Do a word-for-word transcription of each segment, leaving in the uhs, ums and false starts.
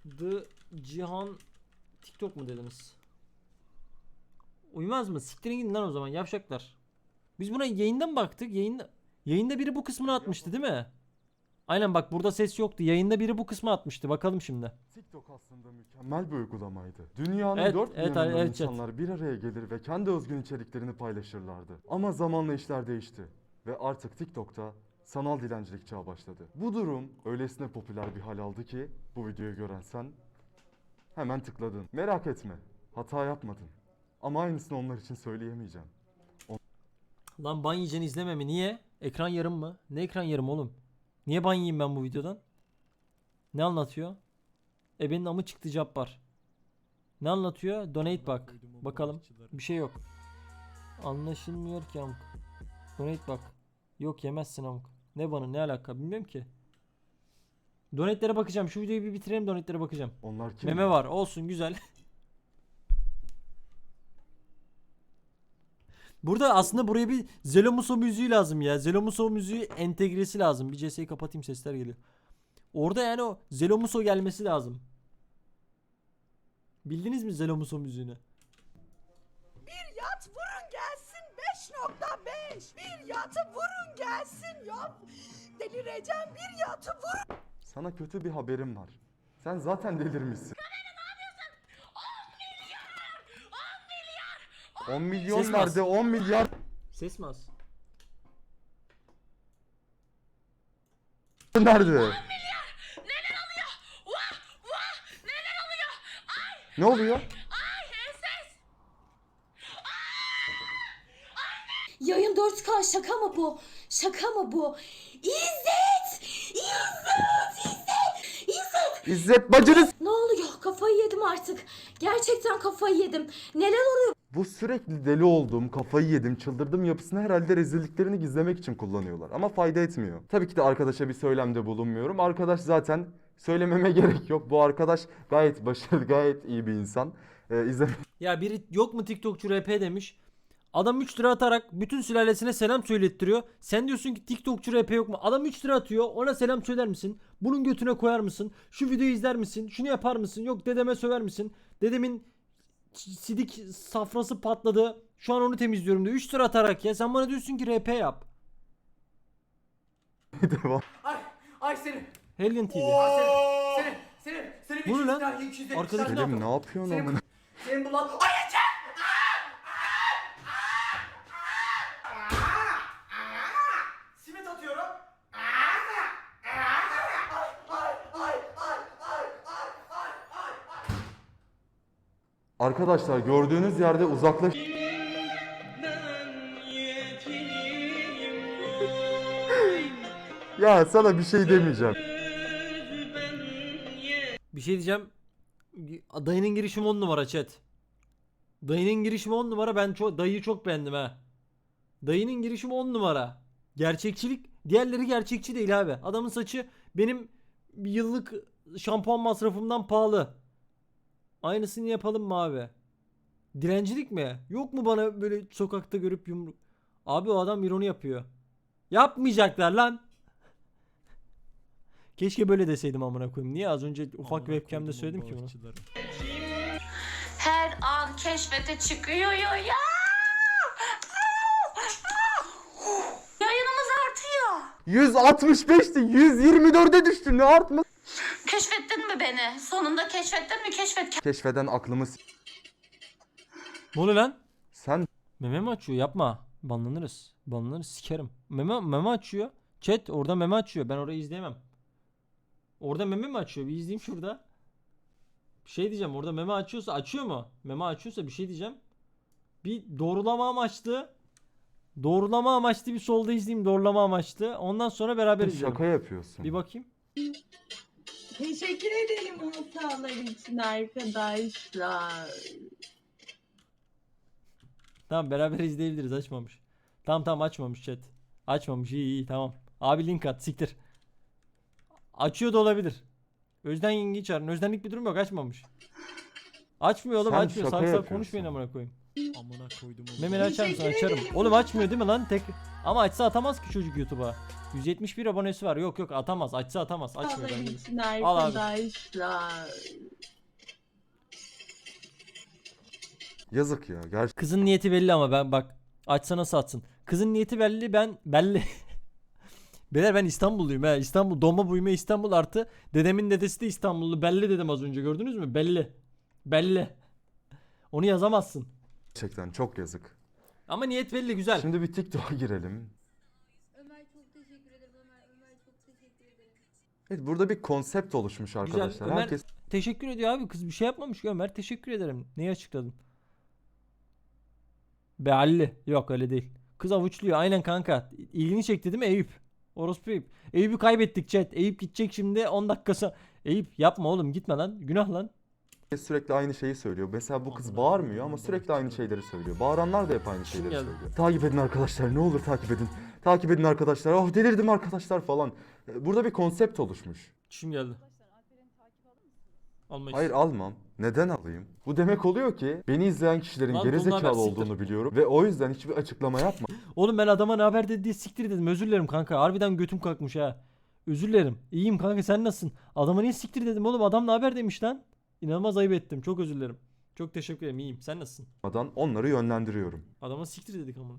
The Cihan TikTok mu dediniz? Uymaz mı? Siktirin gidin lan o zaman yavşaklar. Biz buna yayında mı baktık? Yayında yayında biri bu kısmını atmıştı değil mi? Aynen bak burada ses yoktu. Yayında biri bu kısmı atmıştı. Bakalım şimdi. TikTok aslında mükemmel bir uygulamaydı. Dünyanın Evet, dört bir evet, yanından evet, chat. insanlar bir araya gelir ve kendi özgün içeriklerini paylaşırlardı. Ama zamanla işler değişti. Ve artık TikTok'ta sanal dilencilik çağı başladı. Bu durum öylesine popüler bir hal aldı ki bu videoyu gören sen hemen tıkladın. Merak etme, hata yapmadın. Ama aynısını onlar için söyleyemeyeceğim. Lan ban yiyeceğini izleme mi? Niye? Ekran yarım mı? Ne ekran yarım oğlum? Niye ban yiyeyim ben bu videodan? Ne anlatıyor? Ebenin amı çıktı Cabbar. Ne anlatıyor? Donate bak. Bakalım. Bir şey yok. Anlaşılmıyor ki amk. Donate bak. Yok yemezsin amk. Ne bana ne alaka bilmiyorum ki. Donate'lere bakacağım. Şu videoyu bir bitirelim, donate'lere bakacağım. Onlar kim? Meme var. Olsun güzel. Burada aslında buraya bir Zelomuso müziği lazım ya. Zelomuso müziği entegresi lazım. Bir C S'yi kapatayım, sesler geliyor. Orada yani o Zelomuso gelmesi lazım. Bildiniz mi Zelomuso müziğini? Bir yat vurun gelsin beş nokta beş. Bir yatı vurun gelsin ya. Delireceğim, bir yatı vurun. Sana kötü bir haberim var. Sen zaten delirmişsin. on milyon Ses nerede? bas. on milyar Ses mi az? nerede? Neler oluyor? Vah vah neler oluyor? Ay Ne oluyor? ay ses. Yayın dört K şaka mı bu? Şaka mı bu? İzzet! İzzet! İzzet! İzzet! İzzet bacınız. Ne oluyor? Kafayı yedim artık. Gerçekten kafayı yedim. Neler oluyor? Bu sürekli deli olduğum, kafayı yedim, çıldırdım yapısını herhalde rezilliklerini gizlemek için kullanıyorlar. Ama fayda etmiyor. Tabii ki de arkadaşa bir söylemde bulunmuyorum. Arkadaş zaten söylememe gerek yok. Bu arkadaş gayet başarılı, gayet iyi bir insan. Ee, izle... Ya biri yok mu TikTokçu R P demiş. Adam üç lira atarak bütün sülalesine selam söylettiriyor. Sen diyorsun ki TikTokçu R P yok mu? Adam üç lira atıyor. Ona selam söyler misin? Bunun götüne koyar mısın? Şu videoyu izler misin? Şunu yapar mısın? Yok dedeme söver misin? Dedemin sidik safrası patladı. Şu an onu temizliyorum diyor. üç lira atarak ya. Sen bana diyorsun ki R P yap. Devam. Ay, ay senin. Hellion T V. Senin, senin, senin Bu ne lan? tane, iki yüz elli Arkadaki tane. Selim ne yapıyorsun Senin, amına? senin bu lan. Ay Ece! Simit atıyorum. Arkadaşlar gördüğünüz yerde uzaklaş... Ya sana bir şey demeyeceğim. Bir şey diyeceğim. Dayının girişimi on numara chat. Dayının girişimi on numara. Ben çok dayıyı çok beğendim ha. Dayının girişimi on numara. Gerçekçilik, diğerleri gerçekçi değil abi. Adamın saçı benim bir yıllık şampuan masrafımdan pahalı. Aynısını yapalım mı abi? Dilencilik mi? Yok mu bana böyle sokakta görüp yumruk? Abi o adam ironi yapıyor. Yapmayacaklar lan. Keşke böyle deseydim amına koyayım. Niye az önce ufak webcam'de söyledim ki bunu? Her an keşfete çıkıyor ya. Yayınımız artıyor. yüz altmış beşti, yüz yirmi dörde düştü. Ne artma? Keşfettin mi beni? Sonunda keşfettin mi? Keşfet. Keşfeden aklımı s- Ne oluyor lan? Sen Meme mi açıyor? Yapma. Banlanırız. Banlanırız sikerim. Meme, meme açıyor. Chat orada meme açıyor. Ben orayı izleyemem. Orada meme mi açıyor? Bir izleyeyim şurada. Bir şey diyeceğim. Orada meme açıyorsa açıyor mu? Meme açıyorsa bir şey diyeceğim. Bir doğrulama amaçlı. Doğrulama amaçlı bir solda izleyeyim. Doğrulama amaçlı. Ondan sonra beraber izleyelim. şaka yapıyorsun. Bir bakayım. Teşekkür ederim hastalar için arkadaşlar. Tamam beraber izleyebiliriz. Açmamış. Tamam tamam açmamış chat. Açmamış. İyi iyi tamam. Abi link at. Siktir. Açıyor da olabilir. Özden yengeyi çağırın. Özdenlik bir durum yok. Açmamış. Açmıyor oğlum Sen açmıyor. şaka Salak salak yapıyorsun. konuşmayın amına koyayım. Amına koydum onu. Memeli açar mısın? Teşekkür Açarım. ederim. Oğlum açmıyor değil mi lan? Tek... Ama açsa atamaz ki çocuk YouTube'a. yüz yetmiş bir abonesi var. Yok yok atamaz. Açsa atamaz. Açmıyor Sağlar bence. için Al abi. arkadaşlar. Yazık ya. Gerçekten Kızın niyeti belli ama ben bak. Açsa nasıl atsın? Kızın niyeti belli, ben belli. Beyler ben İstanbulluyum ha. İstanbul doğma büyüme İstanbul artı dedemin dedesi de İstanbullu. Belli dedim az önce, gördünüz mü? Belli. Belli. Onu yazamazsın. çok yazık. Ama niyet belli, güzel. Şimdi bir TikTok'a girelim. Ömer çok teşekkür ederim Ömer. Ömer çok teşekkür ederim. Evet, burada bir konsept oluşmuş arkadaşlar. Ömer- Herkes Teşekkür ediyor abi, kız bir şey yapmamış ki Ömer. Teşekkür ederim. Neyi açıkladın? Belli. Yok öyle değil. Kız avuçluyor aynen kanka. İlgini çekti değil mi Eyüp? Orospu Eyüp. Eyüp'ü kaybettik chat. Eyüp gidecek şimdi on dakikası. Eyüp yapma oğlum, gitme lan. Günah lan. sürekli aynı şeyi söylüyor. Mesela bu kız bağırmıyor ama sürekli aynı şeyleri söylüyor. Bağıranlar da hep aynı şeyleri geldi. söylüyor. Takip edin arkadaşlar, ne olur takip edin. Takip edin arkadaşlar. Oh delirdim arkadaşlar falan. Burada bir konsept oluşmuş. Çişim geldi. Almayız. Hayır, almam. Neden alayım? Bu demek oluyor ki beni izleyen kişilerin Lan bunlar gerizekalı ben siktir. olduğunu biliyorum ve o yüzden hiçbir açıklama yapma. Oğlum ben adama ne haber dedi diye siktir dedim. Özür dilerim kanka. Harbiden götüm kalkmış ha. Özür dilerim. İyiyim kanka, sen nasılsın? Adama niye siktir dedim oğlum? Adam ne haber demiş lan. İnanılmaz ayıp ettim. Çok özür dilerim. Çok teşekkür ederim. İyiyim. Sen nasılsın? Onları yönlendiriyorum. Adama siktir dedik ama.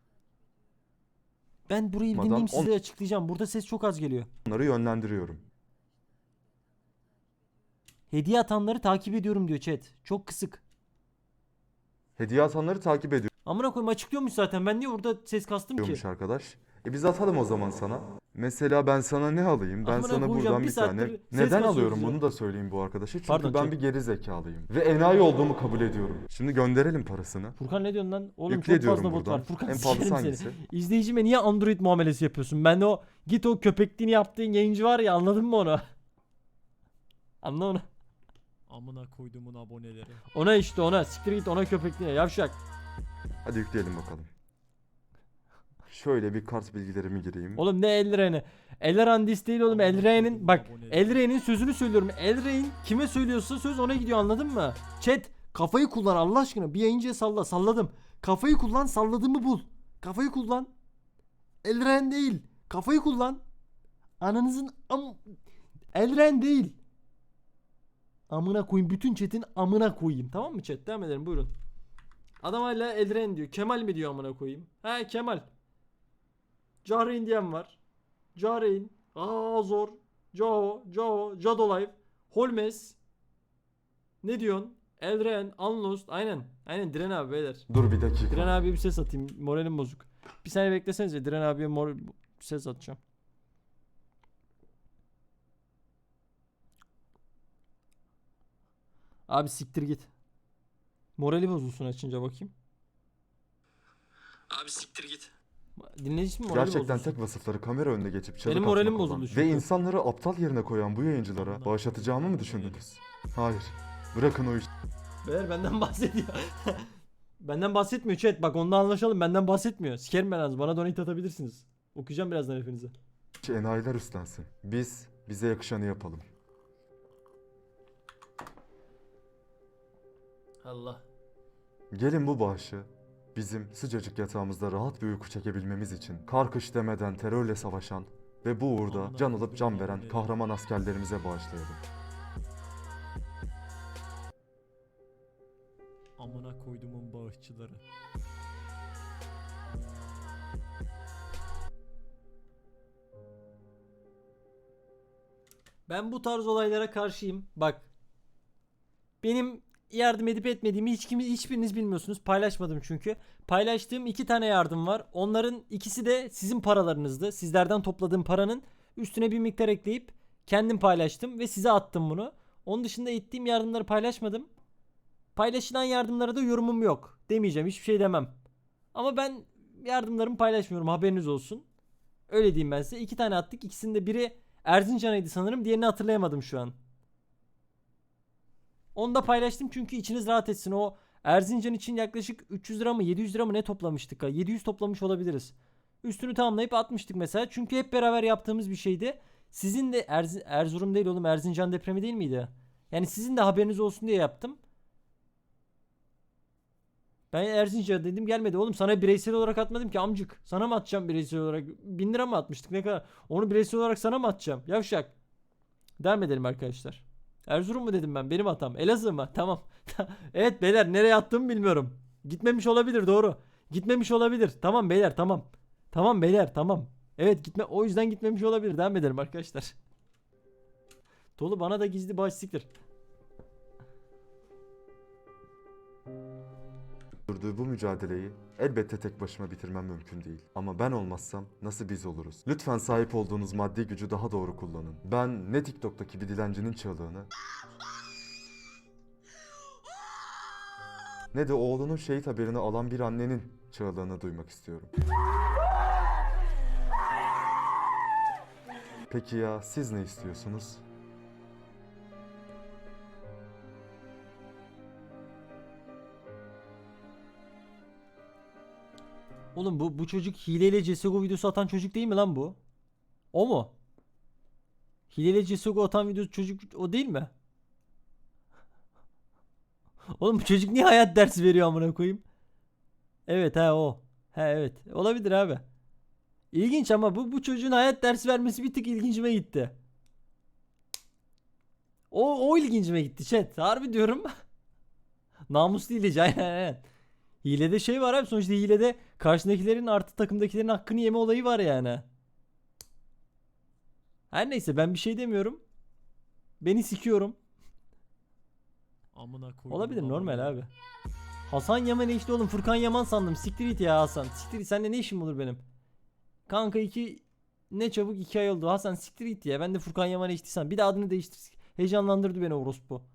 Ben burayı bir Adam dinleyeyim, on- size açıklayacağım. Burada ses çok az geliyor. Onları yönlendiriyorum. Hediye atanları takip ediyorum diyor chat. Çok kısık. Hediye atanları takip Amına koyayım, açıklıyormuş zaten. Ben niye burada ses kastım ki? ediyormuş arkadaş. E biz atalım o zaman sana. Mesela ben sana ne alayım? Ben Amına sana koyacağım, buradan bir bir tane. saattir ses Neden kasıyoruz alıyorum ya. bunu da söyleyeyim bu arkadaşa. Çünkü Pardon, ben çek. bir geri zekalıyım. Ve enayi olduğumu kabul ediyorum. Şimdi gönderelim parasını. Furkan ne diyorsun lan? Oğlum Yükle çok diyorum fazla bot buradan. var. Furkan En pahalısı sikerim hangisi? seni. İzleyicime niye Android muamelesi yapıyorsun? Ben de o git o köpekliğini yaptığın yayıncı var ya, anladın mı onu? Anla onu. Amına koyduğumun aboneleri. Ona işte ona. Siktir git ona, köpekliğine yavşak. Hadi yükleyelim bakalım. Şöyle bir kart bilgilerimi gireyim. Oğlum ne Elren'i? Elren dis değil oğlum. Elren'in bak, Elren'in sözünü söylüyorum. Elren kime söylüyorsa söz ona gidiyor, anladın mı? Chat kafayı kullan Allah aşkına. Bir yayıncıya salla. Salladım. Kafayı kullan, salladığımı bul. Kafayı kullan. Elren değil. Kafayı kullan. Ananızın am... Elren değil. Amına koyayım. Bütün chat'in amına koyayım. Tamam mı chat? Devam edelim, buyurun. Adam hala Elren diyor. Kemal mi diyor amına koyayım? He Kemal. Cahreyn diyen var. Cahreyn. Aa zor. Cao. Cao. Jadolive. Holmes. Ne diyorsun? Elren. Unlost. Aynen. Aynen Diren abi beyler. Dur bir dakika. Diren abiye bir ses atayım. Moralim bozuk. Bir saniye beklesenize. Diren abiye mor ses atacağım. Abi siktir git. Morali bozulsun açınca bakayım. Abi siktir git. Dinleyici mi morali Gerçekten bozulsun? tek vasıfları kamera önünde geçip çığlık Benim moralim atmak olan bozuldu ve çünkü. insanları aptal yerine koyan bu yayıncılara bağışlatacağımı mı düşündünüz? Hayır. Bırakın o işi. Beyler benden bahsediyor. Benden bahsetmiyor chat. Bak onunla anlaşalım. Benden bahsetmiyor. Sikerim ben az. Bana donate atabilirsiniz. Okuyacağım birazdan hepinize. Enayiler üstlensin. Biz bize yakışanı yapalım. Allah. Gelin bu bağışı bizim sıcacık yatağımızda rahat bir uyku çekebilmemiz için kar kış demeden terörle savaşan ve bu uğurda can alıp can veren kahraman askerlerimize bağışlayalım. Amına koyduğumun bağışçıları. Ben bu tarz olaylara karşıyım. Bak. Benim yardım edip etmediğimi hiç kimi, hiçbiriniz bilmiyorsunuz. Paylaşmadım çünkü. Paylaştığım iki tane yardım var. Onların ikisi de sizin paralarınızdı. Sizlerden topladığım paranın üstüne bir miktar ekleyip kendim paylaştım ve size attım bunu. Onun dışında ettiğim yardımları paylaşmadım. Paylaşılan yardımlara da yorumum yok. Demeyeceğim, hiçbir şey demem. Ama ben yardımlarımı paylaşmıyorum, haberiniz olsun. Öyle diyeyim ben size. İki tane attık. İkisinde biri Erzincan'ıydı sanırım. Diğerini hatırlayamadım şu an. Onu da paylaştım çünkü içiniz rahat etsin. O Erzincan için yaklaşık üç yüz lira mı yedi yüz lira mı ne toplamıştık? yedi yüz toplamış olabiliriz. Üstünü tamamlayıp atmıştık mesela. Çünkü hep beraber yaptığımız bir şeydi. Sizin de Erz- Erzurum değil oğlum, Erzincan depremi değil miydi? Yani sizin de haberiniz olsun diye yaptım. Ben Erzincan'a dedim gelmedi. Oğlum sana bireysel olarak atmadım ki amcık. Sana mı atacağım bireysel olarak? Bin lira mı atmıştık ne kadar? Onu bireysel olarak sana mı atacağım? Yavşak. Devam edelim arkadaşlar. Erzurum mu dedim ben? Benim hatam. Elazığ mı? Tamam. Evet beyler nereye attığımı bilmiyorum. Gitmemiş olabilir doğru. Gitmemiş olabilir. Tamam beyler tamam. Tamam beyler tamam. Evet gitme o yüzden gitmemiş olabilir. Devam edelim arkadaşlar. Tolu bana da gizli bağış siktir. Sürdüğü bu mücadeleyi elbette tek başıma bitirmem mümkün değil. Ama ben olmazsam nasıl biz oluruz? Lütfen sahip olduğunuz maddi gücü daha doğru kullanın. Ben ne TikTok'taki bir dilencinin çığlığını ne de oğlunun şehit haberini alan bir annenin çığlığını duymak istiyorum. Peki ya siz ne istiyorsunuz? Oğlum bu bu çocuk hileyle C S G O videosu atan çocuk değil mi lan bu? O mu? Hileyle C S G O atan video çocuk o değil mi? Oğlum bu çocuk niye hayat dersi veriyor amına koyayım? Evet ha o. Ha evet. Olabilir abi. İlginç ama bu bu çocuğun hayat dersi vermesi bir tık ilgincime gitti. O o ilgincime gitti chat. Harbi diyorum. Namuslu hileci aynen aynen. Hilede şey var abi sonuçta hilede karşındakilerin artı takımdakilerin hakkını yeme olayı var yani. Her neyse ben bir şey demiyorum. Beni sikiyorum. Amına koyduğumun Olabilir normal aboneleri. abi. Hasan Yaman işte oğlum Furkan Yaman sandım. Siktir git ya Hasan. Siktir git seninle ne işim olur benim? Kanka iki ne çabuk iki ay oldu. Hasan siktir git ya. Ben de Furkan Yaman içtiysem. Bir de adını değiştir. Heyecanlandırdı beni orospu.